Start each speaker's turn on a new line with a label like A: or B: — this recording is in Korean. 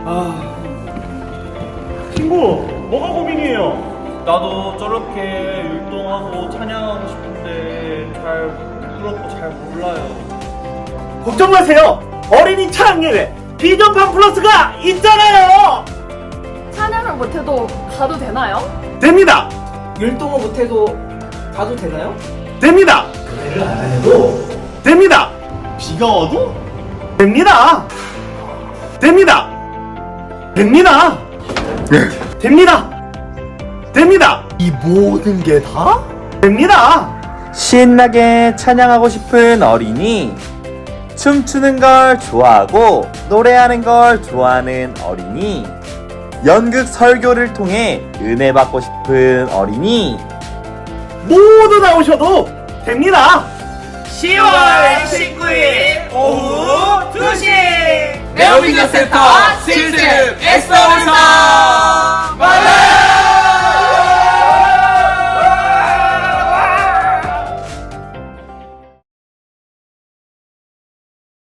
A: 친구, 뭐가 고민이에요?
B: 나도 저렇게 율동하고 찬양하고 싶은데 잘 부끄럽고 잘 몰라요.
A: 걱정 마세요. 어린이 찬양예배 비전판 플러스가 있잖아요.
C: 찬양을 못해도 가도 되나요?
A: 됩니다.
D: 율동을 못해도 가도 되나요?
A: 됩니다. 노래를 안 해도 됩니다. 비가 와도 됩니다. 됩니다. 됩니다. 됩니다. 됩니다. 이 모든 게 다 됩니다.
E: 신나게 찬양하고 싶은 어린이, 춤추는 걸 좋아하고 노래하는 걸 좋아하는 어린이, 연극 설교를 통해 은혜 받고 싶은 어린이,
A: 모두 나오셔도 됩니다.
B: 10월 19일 오후 2시
F: 네오미디어 센터 실습 엑스터울서